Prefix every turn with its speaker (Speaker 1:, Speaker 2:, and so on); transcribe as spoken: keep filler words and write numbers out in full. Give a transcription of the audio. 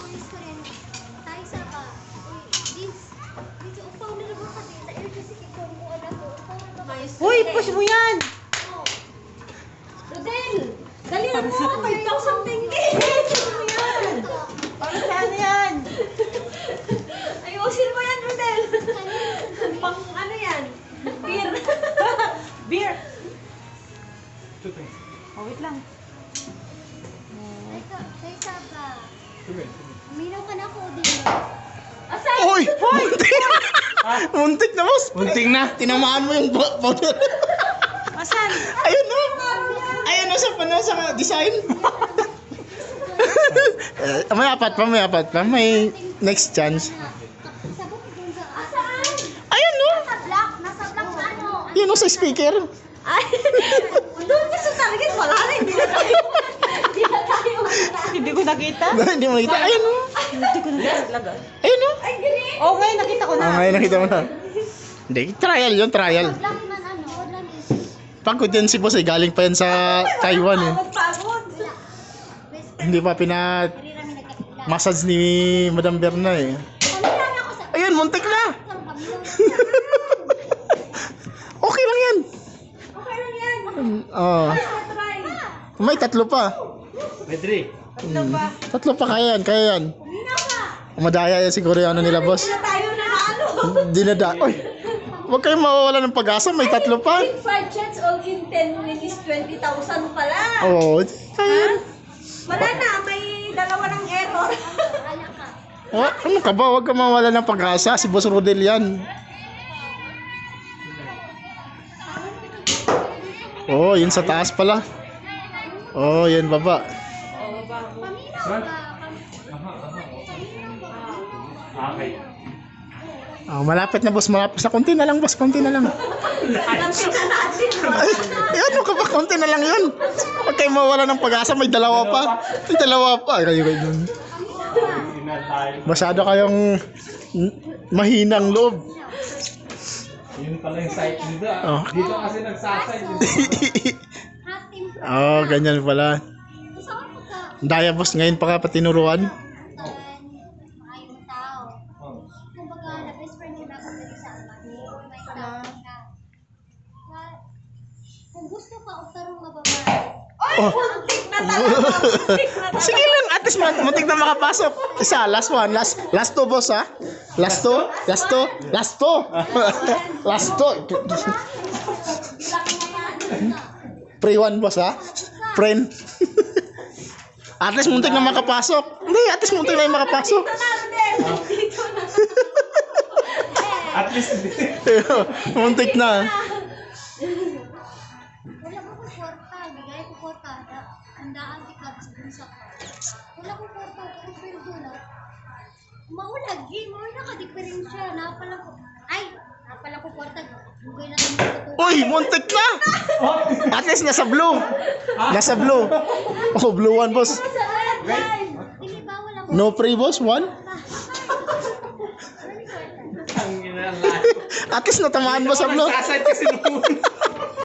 Speaker 1: miss ko rin. Tayo sa ka. Vince, Vince, upaw na naman kasi sa air kasi ikaw mo anak ko. Upaw na naman.
Speaker 2: Uy, push mo yan!
Speaker 1: Rodel! Dali na mo! five thousand tinggi!
Speaker 2: Push mo yan! Para saan yan?
Speaker 1: Ayusin mo yan, Rodel! Pang ano yan? Beer!
Speaker 2: Beer! Oh, wait lang.
Speaker 1: Ito, kay Saba. Uminaw ka na ako, din.
Speaker 3: Uy! Muntik na! Muntik na, boss! Muntik na! Tinamaan mo yung bo- powder.
Speaker 2: Asan?
Speaker 3: Ayun na! Ayun na sa pano sa design. Eh, may apat pa, may apat pa. May next chance.
Speaker 1: Sabot din sa... Asaan?
Speaker 3: Ayun no!
Speaker 1: Nasa block. Nasa block sa ano?
Speaker 3: Yun no, sa speaker.
Speaker 1: Ay! Doon ka sa target. Wala na. Hindi na tayo. Hindi na tayo.
Speaker 2: Hindi ko nakita.
Speaker 3: Hindi mo nakita. Ayun no!
Speaker 2: Hindi ko nakita talaga.
Speaker 3: Ayun no!
Speaker 1: Ay, ganun.
Speaker 2: Oh, ngayon nakita ko na.
Speaker 3: Ah, ngayon nakita mo na. Hindi, trial yun, trial.
Speaker 1: Block man ano. Wala is...
Speaker 3: Pagod yan si boss eh, galing pa yan sa Taiwan eh.
Speaker 2: Pagod.
Speaker 1: Wala. Best
Speaker 3: Hindi pa pina
Speaker 1: Hindi kami nagkakila.
Speaker 3: massage ni Madam Berna eh.
Speaker 1: Pamila na ako sa...
Speaker 3: Ayun, muntik na!
Speaker 1: Parang pamila na.
Speaker 3: Okay lang yan.
Speaker 1: Okay lang yan.
Speaker 3: Oh,
Speaker 1: Try.
Speaker 3: may tatlo pa.
Speaker 2: Pedri. Ano ba?
Speaker 3: Tatlo pa kaya yan, kaya yan.
Speaker 1: Uminaw ka.
Speaker 3: Madaya yan siguro yung ano nila boss.
Speaker 1: Hindi na tayo na ano.
Speaker 3: Dinada. Oy, huwag kayong mawawala ng pag-asa, may tatlo pa.
Speaker 1: Big five chats all in ten minutes, twenty thousand pala.
Speaker 3: Oo, oh, kaya yan.
Speaker 1: Wala na, may dalawa ng error. Wala ka.
Speaker 3: Oh, ano ka ba? Huwag ka mawawala ng pag-asa. Si Boss Rodel yan. Oh, yun sa taas pala. Oh, yun baba.
Speaker 1: Paminaw ka.
Speaker 2: Okay.
Speaker 3: Oh, malapit na boss, malapit sa konti na lang boss, konti na lang.
Speaker 1: Lapit na natin.
Speaker 3: Ay, ano ka ba? Konti na lang yun. Huwag kayong mawala ng pag-asa, may dalawa pa. May dalawa pa. Kayo kayo dun. Masyado kayong n- mahinang loob.
Speaker 2: Yun pala yung site nila.
Speaker 3: Oh.
Speaker 2: Dito kasi nagsasite.
Speaker 1: Hot team.
Speaker 3: Oh, ganyan pala.
Speaker 1: Gusto ko pagka
Speaker 3: Daya boss, ngayon pa ka patinuruan.
Speaker 1: maayong tao. Kumbaga, na best friend ko dapat dali sa ama. May tao ka. Wa- Kung gusto ka, o tarong mababae.
Speaker 3: Oh. Sige lang, at least mat- matik na makapasok. Isa, last one, last last two boss ha. Last two, last two, last two. Last two. Pre one boss ha. Friend. At least muntik na makapasok. Hindi, at least muntik na yung makapasok.
Speaker 2: At least
Speaker 3: Muntik na.
Speaker 1: Wala ko po kwarta, bigay ko kwarta. Andaan si Cubs dun sa wala ko kwarta, pero sweldo na. Maulag, eh, maulag naka-diferensya. Napala ko, ay, napala ko kwarta. Bugay na naman ito.
Speaker 3: Uy, muntik na. At least nasa blue. Nasa blue. Oh, blue one boss.
Speaker 1: Sa red line. Hindi ba wala ko?
Speaker 3: No pre boss, one.
Speaker 2: ang ginala.
Speaker 3: At least natamaan mo sa blue.
Speaker 2: Nagsasite kasi noon.